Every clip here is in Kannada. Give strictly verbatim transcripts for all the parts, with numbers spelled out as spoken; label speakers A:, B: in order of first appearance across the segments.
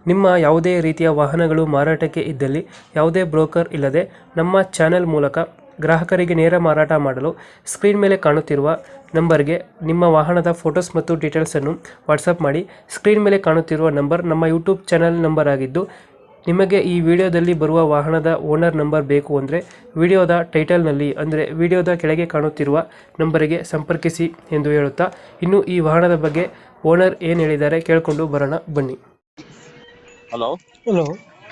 A: ನಿಮ್ಮ ಯಾವುದೇ ರೀತಿಯ ವಾಹನಗಳು ಮಾರಾಟಕ್ಕೆ ಇದ್ದಲ್ಲಿ ಯಾವುದೇ ಬ್ರೋಕರ್ ಇಲ್ಲದೆ ನಮ್ಮ ಚಾನೆಲ್ ಮೂಲಕ ಗ್ರಾಹಕರಿಗೆ ನೇರ ಮಾರಾಟ ಮಾಡಲು ಸ್ಕ್ರೀನ್ ಮೇಲೆ ಕಾಣುತ್ತಿರುವ ನಂಬರ್ಗೆ ನಿಮ್ಮ ವಾಹನದ ಫೋಟೋಸ್ ಮತ್ತು ಡೀಟೇಲ್ಸನ್ನು ವಾಟ್ಸಪ್ ಮಾಡಿ. ಸ್ಕ್ರೀನ್ ಮೇಲೆ ಕಾಣುತ್ತಿರುವ ನಂಬರ್ ನಮ್ಮ ಯೂಟ್ಯೂಬ್ ಚಾನೆಲ್ ನಂಬರ್ ಆಗಿದ್ದು, ನಿಮಗೆ ಈ ವಿಡಿಯೋದಲ್ಲಿ ಬರುವ ವಾಹನದ ಓನರ್ ನಂಬರ್ ಬೇಕು ಅಂದರೆ ವಿಡಿಯೋದ ಟೈಟಲ್ನಲ್ಲಿ ಅಂದರೆ ವಿಡಿಯೋದ ಕೆಳಗೆ ಕಾಣುತ್ತಿರುವ ನಂಬರಿಗೆ ಸಂಪರ್ಕಿಸಿ ಎಂದು ಹೇಳುತ್ತಾ, ಇನ್ನು ಈ ವಾಹನದ ಬಗ್ಗೆ ಓನರ್ ಏನು ಹೇಳಿದ್ದಾರೆ ಕೇಳಿಕೊಂಡು ಬರೋಣ ಬನ್ನಿ.
B: ಹಲೋ
A: ಹಲೋ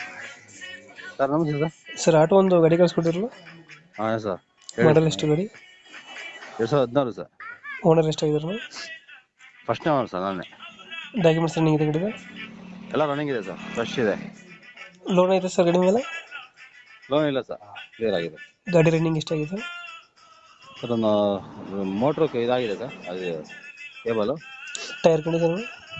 B: ಸರ್, ನಮಸ್ತೆ ಸರ್.
A: ಸರ್, ಆಟೋ ಒಂದು ಗಾಡಿ ಕಳಿಸ್ಕೊಟ್ಟಿರಲ್ಲ,
B: ಹಾಂ ಸರ್,
A: ಮಾಡಲ್ ಎಷ್ಟು ಗಾಡಿ?
B: ಎರಡು ಸಾವಿರದ ಹದಿನಾರು ಸರ್.
A: ಓನರ್ ಎಷ್ಟಾಗಿದ್ರು?
B: ಫಸ್ಟ್ನೇ ಓನರ್ ಸರ್ ನಾನೇ.
A: ಡಾಕ್ಯುಮೆಂಟ್ಸ್ ರನ್ನಿಂಗ್ ಇದೆ ಗಾಡಿದ?
B: ಎಲ್ಲ ರನ್ನಿಂಗ್ ಇದೆ ಸರ್, ಫ್ರೆಶ್ ಇದೆ.
A: ಲೋನ್ ಐತೆ ಸರ್ ಗಾಡಿ ಮೇಲೆ?
B: ಲೋನ್ ಇಲ್ಲ ಸರ್, ಕ್ಲಿಯರ್ ಆಗಿದೆ.
A: ಗಾಡಿ ರನ್ನಿಂಗ್ ಎಷ್ಟಾಗಿದೆ
B: ಸರ್? ಒಂದು ಮೋಟ್ರು ಇದಾಗಿದೆ ಸರ್, ಅದು ಕೇಬಲು.
A: Tyre condition?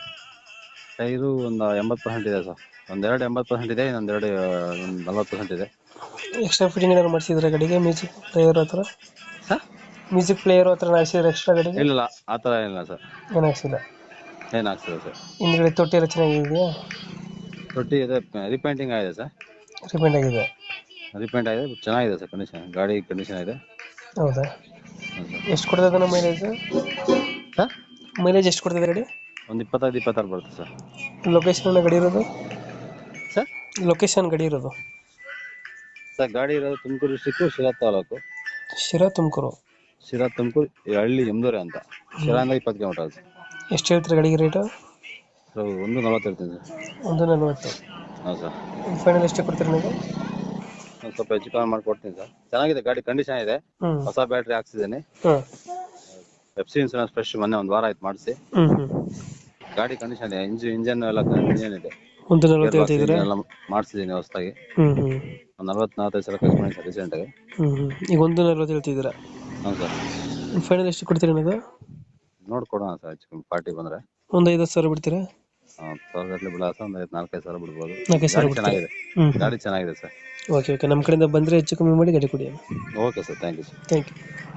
B: ಟೈರು ಒಂದು ಎಂಬತ್ತು ಪರ್ಸೆಂಟ್ ಇದೆ ಸರ್. ಒಂದೆರಡು ಎಂಬತ್ತು ಪರ್ಸೆಂಟ್ ಇದೆ, ಇನ್ನೊಂದೆರಡು ಒಂದು ನಲ್ವತ್ತು ಪರ್ಸೆಂಟ್ ಇದೆ.
A: ಎಕ್ಸ್ಟ್ರಾ ಫಿಟ್ಟಿಂಗ್ ಏನಾದ್ರು ಮಾಡಿಸಿದ್ರೆ ಗಾಡಿಗೆ? ಮ್ಯೂಸಿಕ್ ಪ್ಲೇಯರ್ ಹತ್ರ
B: ಸರ್?
A: ಮ್ಯೂಸಿಕ್ ಪ್ಲೇಯರ್ ಹತ್ರ ಹಾಕ್ಸಿದ್ರೆ ಎಕ್ಸ್ಟ್ರಾ ಗಾಡಿಗೆ?
B: ಇಲ್ಲ, ಆ ಥರ ಏನಿಲ್ಲ ಸರ್.
A: ಏನು ಹಾಕ್ಸಿಲ್ಲ?
B: ಏನು ಆಗ್ತದೆ ಸರ್?
A: ಹಿಂದ್ಗಡೆ ತೊಟ್ಟಿ ಎಲ್ಲ ಚೆನ್ನಾಗಿದೆಯಾ?
B: ತೊಟ್ಟಿ ಇದೆ, ರಿಪೇಂಟಿಂಗ್ ಆಗಿದೆ ಸರ್.
A: ರಿಪೇಂಟ್ ಆಗಿದೆ?
B: ರಿಪೇಂಟ್ ಆಗಿದೆ, ಚೆನ್ನಾಗಿದೆ ಸರ್ ಕಂಡೀಷನ್. ಗಾಡಿ ಕಂಡೀಷನ್ ಇದೆ.
A: ಹೌದಾ? ಎಷ್ಟು ಕೊಡ್ತದೆ ನಮ್ಮ ಮೈಲೇಜ್
B: ಸರ್?
A: ಮೈಲೇಜ್ ಎಷ್ಟು ಕೊಡ್ತದೆ ಗಾಡಿ?
B: ಒಂದು ಇಪ್ಪತ್ತೈದು ಇಪ್ಪತ್ತಾರು ಬರುತ್ತೆ ಸರ್.
A: ಲೊಕೇಶನ್ ಗಾಡಿ ಇರೋದು
B: ಸರ್?
A: ಲೊಕೇಶನ್ ಗಾಡಿ ಇರೋದು
B: ಸರ್, ಗಾಡಿ ಇರೋದು ತುಮಕೂರು ಡಿಸ್ಟಿಕ್ಕು, ಶಿರಾ ತಾಲೂಕು.
A: ಶಿರಾ ತುಮಕೂರು?
B: ಶಿರಾ ತುಮಕೂರು ಹಳ್ಳಿ ಎಮ್ದೂರೆ ಅಂತ. ಶಿರಾಯಿಂದ ಇಪ್ಪತ್ತು ಕಿಲೋಮೀಟರ್ ಆಗುತ್ತೆ.
A: ಎಷ್ಟು ಹೇಳ್ತೀರಿ ಗಾಡಿಗೆ ರೇಟು?
B: ಸರ್, ಒಂದು ನಲವತ್ತು ಇರ್ತೀನಿ ಸರ್.
A: ಒಂದು ನಲ್ವತ್ತು?
B: ಹಾಂ ಸರ್.
A: ಫೈನಲ್ ಎಷ್ಟು ಕೊಡ್ತೀರಿ ನೀವು?
B: ಒಂದು ಸ್ವಲ್ಪ ಹೆಚ್ಚು ಕಮ್ಮಿ ಮಾಡಿಕೊಡ್ತೀನಿ ಸರ್. ಚೆನ್ನಾಗಿದೆ ಗಾಡಿ, ಕಂಡೀಷನ್ ಇದೆ.
A: ಹ್ಞೂ
B: ಹೊಸ ಬ್ಯಾಟ್ರಿ ಹಾಕ್ಸಿದ್ದೀನಿ.
A: ಹಾಂ
B: ಎಫ್ ಸಿ ಇನ್ಸೂರೆನ್ಸ್ ಫ್ರೆಶ್, ಮೊನ್ನೆ ಒಂದು ವಾರ ಆಯ್ತು ಮಾಡಿಸಿ.
A: ಹ್ಞೂ ಹ್ಞೂ
B: ಗಾಡಿ ಕಂಡೀಷನ್ ಇದೆ, ಇಂಜಿನ್ ಇಂಜನ್ ಎಲ್ಲ ಇಂಜನ್ ಇದೆ.
A: ಒಂದು ನಲ್ವತ್ತು ಹೇಳ್ತಿದ್ದೀರಾ?
B: ಎಲ್ಲ ಮಾಡಿಸಿದ್ದೀನಿ ಹೊಸದಾಗಿ.
A: ಹ್ಞೂ ಹ್ಞೂ
B: ಒಂದು ನಲ್ವತ್ತು ನಲ್ವತ್ತೈದು ಸಾವಿರ ಖರ್ಚು ಮಾಡಿ ಸರ್ ರೀಸೆಂಟಾಗಿ.
A: ಹ್ಞೂ ಹ್ಞೂ ಈಗ ಒಂದು ನಲ್ವತ್ತು ಹೇಳ್ತಿದ್ದೀರಾ?
B: ಹಾಂ ಸರ್.
A: ಫೈನಲ್ ಎಷ್ಟು ಕೊಡ್ತೀರಿ ಅನ್ನೋದು?
B: ನೋಡ್ಕೊಡೋಣ ಸರ್, ಹೆಚ್ಚು ಕಮ್ಮಿ ಪಾರ್ಟಿ ಬಂದರೆ.
A: ಒಂದು ಐದು ಸಾವಿರ ಬಿಡ್ತೀರಾ?
B: ಹಾಂ, ಸಾವಿರ ಗಟ್ಟಲೆ ಬಿಡಾಸ ಒಂದು ಐದು ನಾಲ್ಕೈದು ಸಾವಿರ ಬಿಡ್ಬೋದು.
A: ನಾಲ್ಕೈದು ಸಾವಿರ
B: ಗಾಡಿ ಚೆನ್ನಾಗಿದೆ.
A: ಹ್ಞೂ
B: ಗಾಡಿ ಚೆನ್ನಾಗಿದೆ ಸರ್.
A: ಓಕೆ ಓಕೆ ನಮ್ಮ ಕಡೆಯಿಂದ ಬಂದರೆ ಹೆಚ್ಚು ಕಮ್ಮಿ ಮಾಡಿ ಗಾಡಿ ಕೊಡಿ.
B: Okay sir, thank you sir.
A: Thank you.